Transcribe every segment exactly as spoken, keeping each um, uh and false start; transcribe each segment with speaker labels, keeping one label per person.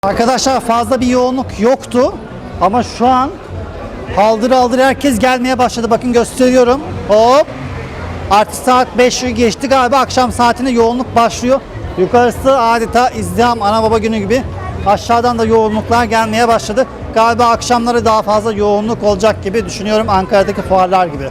Speaker 1: Arkadaşlar fazla bir yoğunluk yoktu ama şu an haldır haldır herkes gelmeye başladı. Bakın gösteriyorum. Hop. Artık saat beşi geçti galiba, akşam saatinde yoğunluk başlıyor. Yukarısı adeta izdiham, ana baba günü gibi. Aşağıdan da yoğunluklar gelmeye başladı. Galiba akşamları daha fazla yoğunluk olacak gibi düşünüyorum, Ankara'daki fuarlar gibi.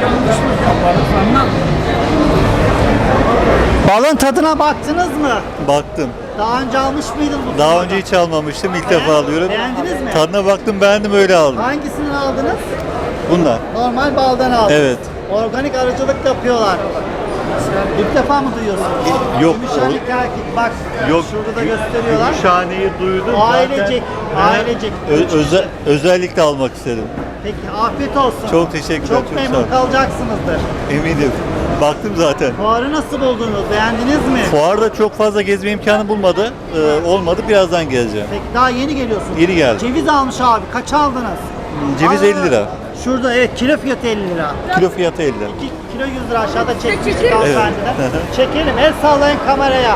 Speaker 1: Balın tadına baktınız mı?
Speaker 2: Baktım.
Speaker 1: Daha önce almış mıydın bu
Speaker 2: Daha
Speaker 1: fuarda?
Speaker 2: önce hiç almamıştım. İlk
Speaker 1: Beğen-
Speaker 2: defa alıyorum.
Speaker 1: Beğendiniz mi?
Speaker 2: Tadına baktım, beğendim, öyle aldım.
Speaker 1: Hangisinden aldınız?
Speaker 2: Bundan.
Speaker 1: Normal baldan aldınız.
Speaker 2: Evet.
Speaker 1: Organik arıcılık yapıyorlar. İlk defa mı duyuyorsunuz?
Speaker 2: Yok.
Speaker 1: Gümüşhane Kerkik, bak
Speaker 2: Yok.
Speaker 1: şurada da gösteriyorlar.
Speaker 2: Gümüşhaneyi duydum.
Speaker 1: Ailecek,
Speaker 2: zaten.
Speaker 1: ailecek.
Speaker 2: Ö- öze- özellikle almak istedim.
Speaker 1: Peki afiyet olsun.
Speaker 2: Çok teşekkürler,
Speaker 1: Çok,
Speaker 2: çok
Speaker 1: memnun
Speaker 2: sağ olun.
Speaker 1: kalacaksınızdır.
Speaker 2: Eminim. Baktım zaten.
Speaker 1: Fuarı nasıl buldunuz? Beğendiniz mi?
Speaker 2: Fuarda çok fazla gezme imkanı bulmadı. Ee, olmadı. Birazdan geleceğim.
Speaker 1: Peki daha yeni geliyorsunuz.
Speaker 2: Yeni geldim.
Speaker 1: Ceviz almış abi. Kaç aldınız?
Speaker 2: Ceviz
Speaker 1: Aa,
Speaker 2: elli lira.
Speaker 1: Şurada evet, kilo fiyatı elli lira.
Speaker 2: Kilo fiyatı elli lira.
Speaker 1: iki kilo yüz lira, aşağıda çekmiştik hanımefendiden. Çekelim, el sallayın kameraya.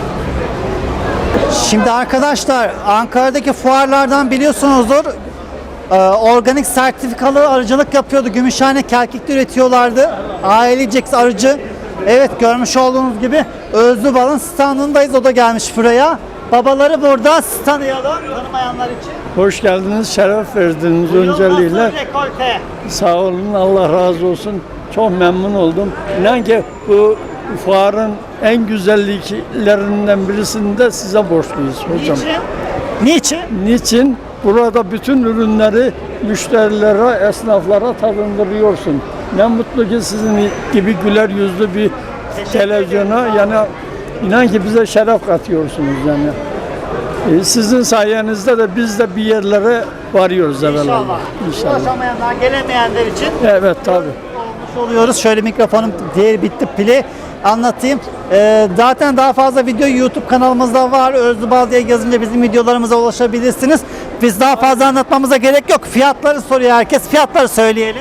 Speaker 1: Şimdi arkadaşlar, Ankara'daki fuarlardan biliyorsunuzdur, e, organik sertifikalı arıcılık yapıyordu. Gümüşhane Kerkik'te üretiyorlardı. Ailecek arıcı. Evet, görmüş olduğunuz gibi Özlü Bal'ın standındayız. O da gelmiş buraya. Babaları burada. Siz tanıyalım, tanımayanlar için.
Speaker 3: Hoş geldiniz, şeref verdiniz
Speaker 1: Bu yıl
Speaker 3: öncelikle.
Speaker 1: nasıl rekolte?
Speaker 3: Sağ olun, Allah razı olsun. Çok memnun oldum. İnan ki bu fuarın en güzelliklerinden birisini de size borçluyuz hocam.
Speaker 1: Niçin? Niçin?
Speaker 3: Niçin? Burada bütün ürünleri müşterilere, esnaflara tadındırıyorsun. Ne mutlu ki sizin gibi güler yüzlü bir televizyona, yani inan ki bize şeref katıyorsunuz yani. Ee, Sizin sayenizde de biz de bir yerlere varıyoruz evvelallah.
Speaker 1: İnşallah.
Speaker 3: İnşallah.
Speaker 1: Ulaşamayanlar, gelemeyenler için
Speaker 3: Evet tabii.
Speaker 1: olmuş oluyoruz. Şöyle mikrofonum diğer bitti, pili anlatayım. Ee, zaten daha fazla video YouTube kanalımızda var. Özlü Bal diye yazınca bizim videolarımıza ulaşabilirsiniz. Biz daha fazla anlatmamıza gerek yok. Fiyatları soruyor herkes. Fiyatları söyleyelim.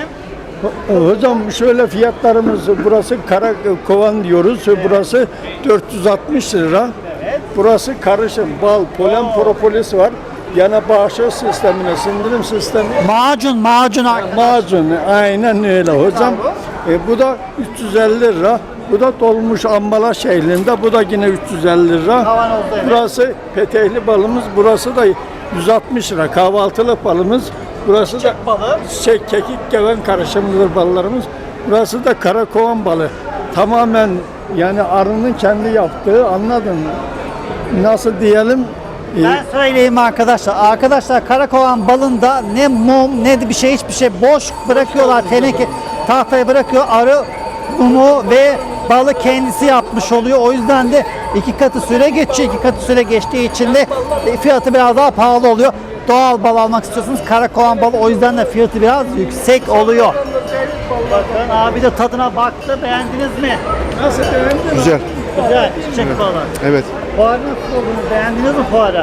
Speaker 3: Hocam şöyle fiyatlarımız, burası kara kovan diyoruz. Burası dört yüz altmış lira. Burası karışım, bal, polen, propolis var. Yana bağışıklık sistemine, sindirim sistemi.
Speaker 1: Macun, macun arkadaşlar.
Speaker 3: Macun, aynen öyle hocam. E, bu da üç yüz elli lira. Bu da dolmuş ambalaj şeklinde. Bu da yine üç yüz elli lira.
Speaker 1: Kavanozda, evet.
Speaker 3: Burası petehli balımız. Burası da yüz altmış lira. Kahvaltılık balımız. Burası da
Speaker 1: balı.
Speaker 3: şey, kekik geven karışımlıdır ballarımız. Burası da karakovan balı. Tamamen yani arının kendi yaptığı, anladın mı? Nasıl diyelim? E,
Speaker 1: Ben söyleyeyim arkadaşlar. Arkadaşlar karakovan balında ne mum ne de bir şey, hiçbir şey boş bırakıyorlar. Teneke tahtaya bırakıyor. Arı mumu ve balı kendisi yapmış oluyor. O yüzden de iki katı süre geçiyor. İki katı süre geçtiği için de fiyatı biraz daha pahalı oluyor. Doğal bal almak istiyorsunuz, karakovan balı, o yüzden de fiyatı biraz yüksek oluyor. Bakın abi de tadına baktı. Beğendiniz mi?
Speaker 3: Nasıl beğendin?
Speaker 4: Güzel.
Speaker 1: Güzel. Çiçek balı.
Speaker 4: Evet.
Speaker 1: Fuarı nasıl buldunuz? Beğendiniz mi fuarı?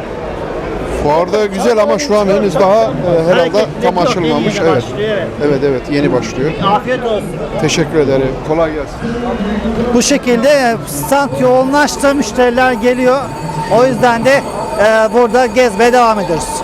Speaker 4: Fuarda güzel ama şu an henüz daha e, herhalde
Speaker 1: Hareketlilik
Speaker 4: tam
Speaker 1: yok,
Speaker 4: açılmamış.
Speaker 1: yeni yeni
Speaker 4: Evet.
Speaker 1: başlıyor, evet.
Speaker 4: Evet evet yeni başlıyor.
Speaker 1: Afiyet olsun.
Speaker 4: Teşekkür ederim. Kolay gelsin.
Speaker 1: Bu şekilde stand yoğunlaştı, müşteriler geliyor. O yüzden de e, burada gezmeye devam ediyoruz.